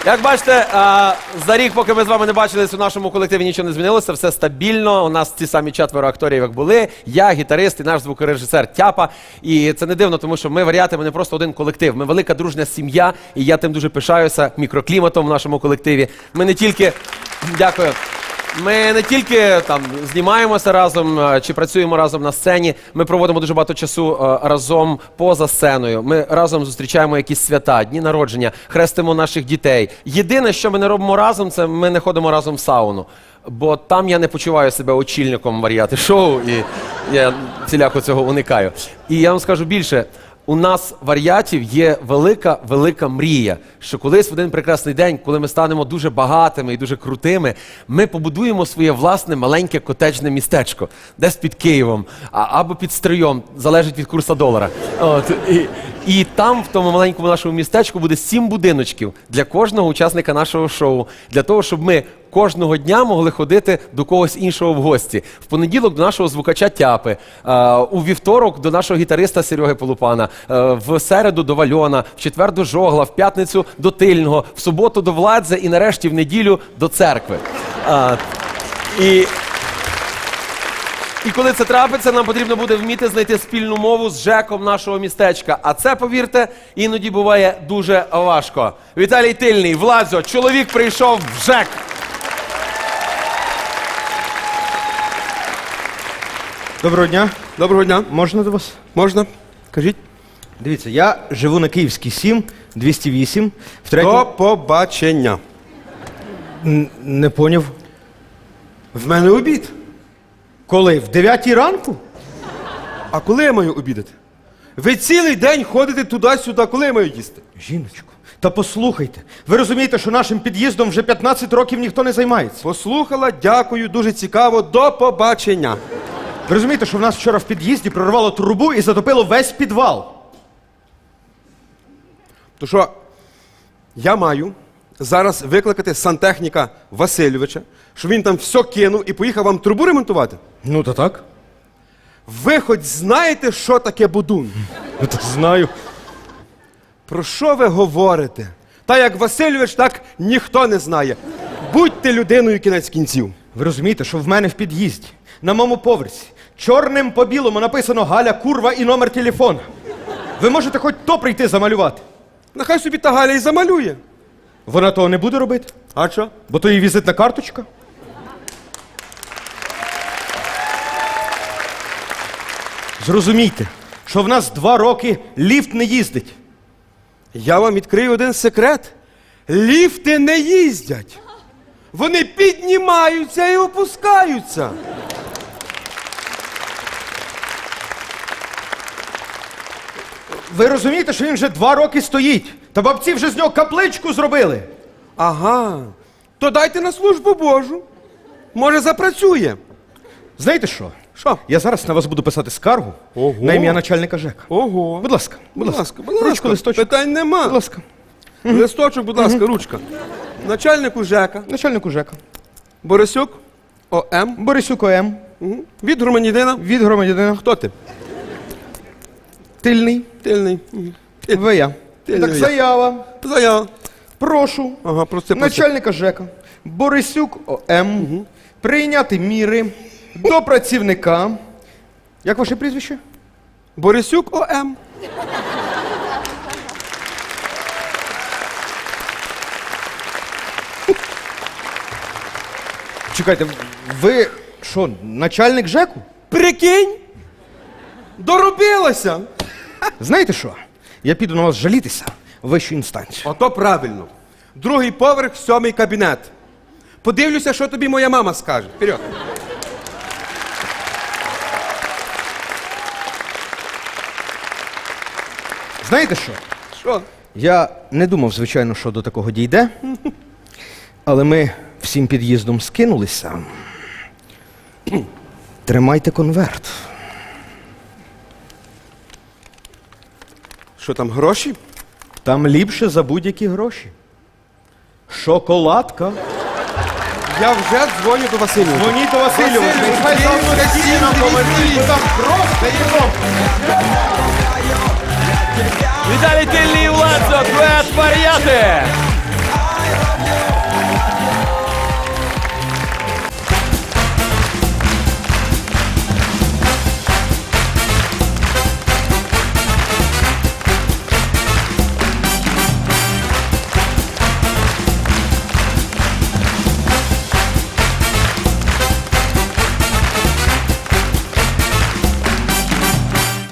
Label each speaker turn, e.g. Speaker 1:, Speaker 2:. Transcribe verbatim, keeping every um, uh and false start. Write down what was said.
Speaker 1: Як бачите, за рік, поки ми з вами не бачились, у нашому колективі нічого не змінилося, все стабільно. У нас ті самі четверо акторів, як були. Я, гітарист і наш звукорежисер Тяпа. І це не дивно, тому що ми варіати, ми не просто один колектив. Ми велика дружня сім'я, і я тим дуже пишаюся мікрокліматом в нашому колективі. Ми не тільки... Дякую. Ми не тільки там знімаємося разом чи працюємо разом на сцені, ми проводимо дуже багато часу разом поза сценою. Ми разом зустрічаємо якісь свята, дні народження, хрестимо наших дітей. Єдине, що ми не робимо разом, це ми не ходимо разом в сауну. Бо там я не почуваю себе очільником варіати шоу, і я ціляко цього уникаю. І я вам скажу більше. У нас, варіатів, є велика-велика мрія, що колись в один прекрасний день, коли ми станемо дуже багатими і дуже крутими, ми побудуємо своє власне маленьке котеджне містечко, десь під Києвом, а, або під Стрийом, залежить від курсу долара. От, і, і там, в тому маленькому нашому містечку, буде сім будиночків для кожного учасника нашого шоу, для того, щоб ми кожного дня могли ходити до когось іншого в гості. В понеділок до нашого звукача Тяпи, у вівторок до нашого гітариста Сереги Полупана, в середу до Вальона, в четвер до Жогла, в п'ятницю до Тильного, в суботу до Владзе і нарешті в неділю до церкви. І... І коли це трапиться, нам потрібно буде вміти знайти спільну мову з ЖЕКом нашого містечка. А це, повірте, іноді буває дуже важко. Віталій Тильний, Владзо, чоловік прийшов в ЖЕК.
Speaker 2: Доброго дня.
Speaker 3: Доброго дня.
Speaker 2: Можна до вас?
Speaker 3: Можна. Кажіть.
Speaker 2: Дивіться, я живу на Київській сім, двісті вісім. В третьому...
Speaker 3: До побачення.
Speaker 2: Н- Не поняв.
Speaker 3: В мене обід.
Speaker 2: Коли? В дев'ятій ранку?
Speaker 3: А коли я маю обідати? Ви цілий день ходите туди-сюди. Коли я маю їсти?
Speaker 2: Жіночко, та послухайте. Ви розумієте, що нашим під'їздом вже п'ятнадцять років ніхто не займається?
Speaker 3: Послухала, дякую, дуже цікаво. До побачення.
Speaker 2: Ви розумієте, що в нас вчора в під'їзді прорвало трубу і затопило весь підвал?
Speaker 3: То що, я маю зараз викликати сантехніка Васильовича, щоб він там все кинув і поїхав вам трубу ремонтувати?
Speaker 2: Ну, то так.
Speaker 3: Ви хоч знаєте, що таке будун?
Speaker 2: Ну, то знаю.
Speaker 3: Про що ви говорите? Та як Васильович, так ніхто не знає. Будьте людиною кінець кінців.
Speaker 2: Ви розумієте, що в мене в під'їзді, на моєму поверсі, чорним по білому написано «Галя, курва» і номер телефона. Ви можете хоч то прийти замалювати?
Speaker 3: Нехай собі та Галя і замалює.
Speaker 2: Вона того не буде робити,
Speaker 3: А що?
Speaker 2: бо то її візитна карточка. Зрозумійте, що в нас два роки ліфт не їздить.
Speaker 3: Я вам відкрию один секрет. Ліфти не їздять. Вони піднімаються і опускаються.
Speaker 2: Ви розумієте, що він вже два роки стоїть? Та бабці вже з нього капличку зробили.
Speaker 3: Ага. То дайте на службу Божу. Може, запрацює.
Speaker 2: Знаєте що?
Speaker 3: Що?
Speaker 2: Я зараз на вас буду писати скаргу
Speaker 3: Ого.
Speaker 2: на ім'я начальника ЖЕКа.
Speaker 3: Ого.
Speaker 2: Будь ласка, будь,
Speaker 3: Будь
Speaker 2: ласка.
Speaker 3: ласка, будь ласка.
Speaker 2: Ручку, листочок.
Speaker 3: Питань нема.
Speaker 2: Будь ласка.
Speaker 3: Листочок, будь ласка, ручка. Начальнику ЖЕКа.
Speaker 2: Начальнику ЖЕКа.
Speaker 3: Борисюк О.М.
Speaker 2: Борисюк О.М.
Speaker 3: Угу. Від громадянина.
Speaker 2: Від громадянина.
Speaker 3: Хто ти?
Speaker 2: Тильний.
Speaker 3: Тильний. Угу.
Speaker 2: Ви я.
Speaker 3: Тильний
Speaker 2: Так,
Speaker 3: я.
Speaker 2: заява.
Speaker 3: Заява.
Speaker 2: Прошу.
Speaker 3: Ага, прости, прости.
Speaker 2: Начальника ЖЕКа. Борисюк О.М. Угу. Прийняти міри до працівника. Як ваше прізвище?
Speaker 3: Борисюк О.М.
Speaker 2: Чекайте, ви що, начальник ЖЕКу?
Speaker 3: Прикинь? Доробилася.
Speaker 2: Знаєте що? Я піду на вас жалітися в вищу інстанцію.
Speaker 3: Ото правильно. Другий поверх, сьомий кабінет. Подивлюся, що тобі моя мама скаже. Вперед.
Speaker 2: Знаєте що?
Speaker 3: Що?
Speaker 2: Я не думав, звичайно, що до такого дійде, але ми всім під'їздом скинулися. Тримайте конверт.
Speaker 3: Що там, гроші?
Speaker 2: Там ліпше за будь-які гроші. Шоколадка.
Speaker 3: Я вже дзвоню до Васильовича.
Speaker 2: Дзвоніть до Васильовича.
Speaker 3: Васильович,
Speaker 2: Нехай завтра
Speaker 3: Васильович,
Speaker 2: діє нам повернуть, бо там просто їдом.
Speaker 1: Віталій Тильний, Владзо, дует варіати!